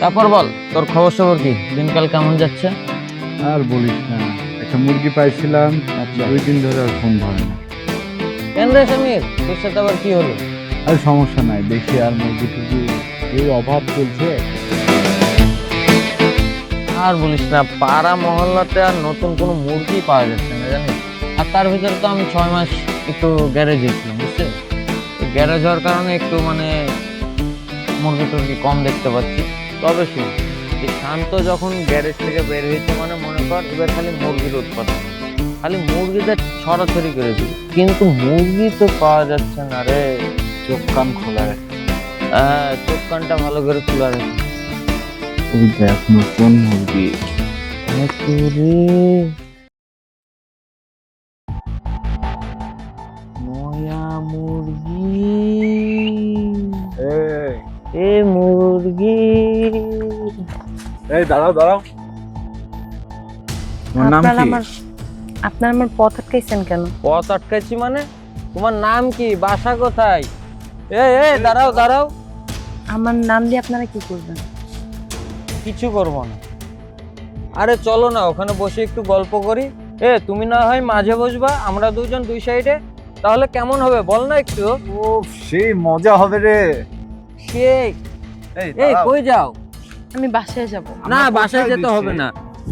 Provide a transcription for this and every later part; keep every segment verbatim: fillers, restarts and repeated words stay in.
তারপর বল, তোর খবর সবর কি? দিনকাল কেমন যাচ্ছে? আর বলিস না, একটা মুরগি পাইছিলাম, আচ্ছা, দুই দিন ধরে আর ফোন ধরে না। কেন রে সমীর, তোর সাথে আবার কি হলো? আর সমস্যা নাই, দেখি আর মুরগি টুরগি এই অভাব চলছে। আর বলিস না, পাড়া মহল্লাতে আর নতুন কোনো মুরগি পাওয়া যাচ্ছে না জানিস। আর তার ভিতরে তো আমি ছয় মাস একটু গ্যারেজে ছিলাম, বুঝছে? গ্যারেজ হওয়ার কারণে একটু মানে মুরগি টুরগি কম দেখতে পাচ্ছি। তবে শুন, এই শান্ত যখন গ্যারেজ থেকে বের হয়েছে মানে মনে কর এবার খালি মুরগির উৎপাদন, খালি মুরগিদের ছড়াছড়ি করে দিই, কিন্তু মুরগি তো পাওয়া যাচ্ছে না রে। চোখ কান খোলা রাখ। হ্যাঁ, চোখ কানটা ভালো করে খোলা রেখে। ওই দেখ নতুন মুরগি। নয়া মুরগি, এই এ মুরগি। এই দাঁড়াও দাঁড়াও, তোমার নাম আপনার কি? আমার আপনার আমার পথ আটকাইছেন কেন? পথ আটকাইছি মানে? তোমার নাম কি, বাসা কোথায়? এ এ দাঁড়াও দাঁড়াও, আমার নাম দিয়ে আপনারা কি করবেন? কিছু করবো না। আরে চলো না, ওখানে বসে একটু গল্প করি। এ তুমি না হয় মাঝে বসবা, আমরা দুজন দুই সাইডে, তাহলে কেমন হবে বল না একটু? ও সেই মজা হবে রে। সেই এই এই দাঁড়াও। কই যাও? আমি বাসায় যাব। না, আমরা বাসায় কোথায় যেতে দিচ্ছি? হবে না।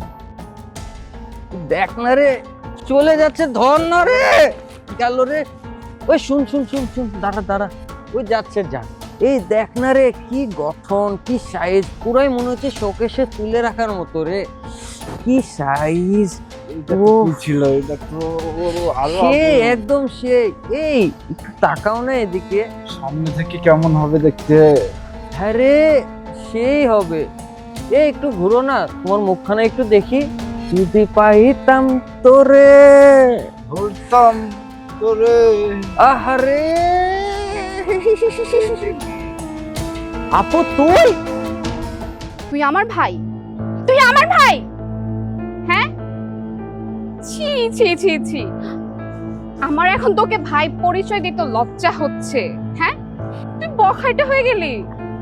দেখ না রে, চলে যাচ্ছে, ধর না রে, গেল রে। ওই শুন শুন শুন শুন, দাঁড়া দাঁড়া, ওই যাচ্ছে, যা। এই দেখ না রে, কি গঠন, কি সাইজ, পুরাই মনে হচ্ছে শোকেসে তুলে রাখার মতো রে। কি সাইজ, এটা ও তো কি ছিল? এটা তো আরো সে আগে। একদম সে। এই একটু তাকাও না এদিকে। সামনে থেকে কেমন হবে দেখতে? হ্যাঁ রে, সেই হবে। এই একটু ঘুরো না, তোমার মুখখানা একটু দেখি। যদি পাইতাম তোরে, ধরতাম তোরে। আহারে। আপু তুই? তুই আমার ভাই? তুই আমার ভাই? হ্যাঁ, ছি ছি ছি ছি, আমার এখন তোকে ভাই পরিচয় দিতে লজ্জা হচ্ছে। হ্যাঁ, তুই বখাইটা হয়ে গেলি।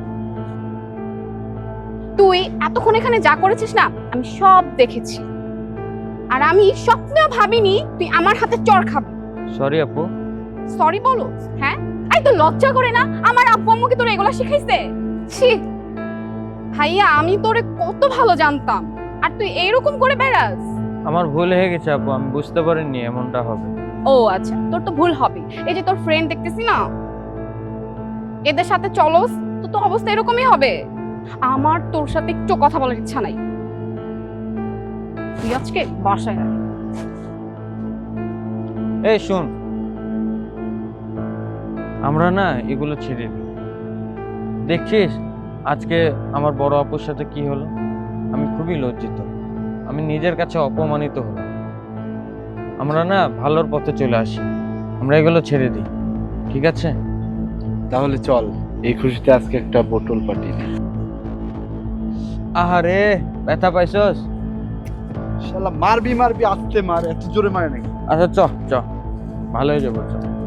তুই এতক্ষণ এখানে যা করেছিস না, আমি সব দেখেছি। আর আমি স্বপ্নেও ভাবিনি তুই আমার হাতে চড় খাবি। সরি আপু। সরি বলো? হ্যাঁ, এই তো লজ্জা করে না? আমার আব্বু আম্মু কি তোরে এগুলা শিখাইছে? ছি ভাইয়া, আমি তোরে কত ভালো জানতাম, আর তুই এইরকম করে বেড়াস। আমার ভুল হয়ে গেছে আপু, আমি বুঝতে পারিনি এমনটা হবে। ও আচ্ছা, তোর তো ভুল হবে। এই যে তোর ফ্রেন্ড দেখতেছি না, এদের সাথে চলস তো তো অবস্থা এরকমই হবে। আমার তোর সাথে একটু কথা বলার ইচ্ছা নাই। তুই আজকে বাসায় আয়। এই শুন, আমরা না এগুলো ছেড়ে দিই। দেখছিস আজকে আমার বড় আপুর সাথে কি হলো? আমি খুবই লজ্জিত, আমি নিজের কাছে অপমানিত হলাম। আমরা না ভালোর পথে চলে আসি, আমরা এগুলো ছেড়ে দিই, ঠিক আছে? তাহলে চল, এই খুশিতে আজকে একটা বোতল পার্টি দিই। আহারে, ব্যথা পাইছস? শালা মারবি মারবি, আস্তে মার, এত জোরে মারে নাকি? আচ্ছা চ চ, ভালো হয়ে যাবো, চ।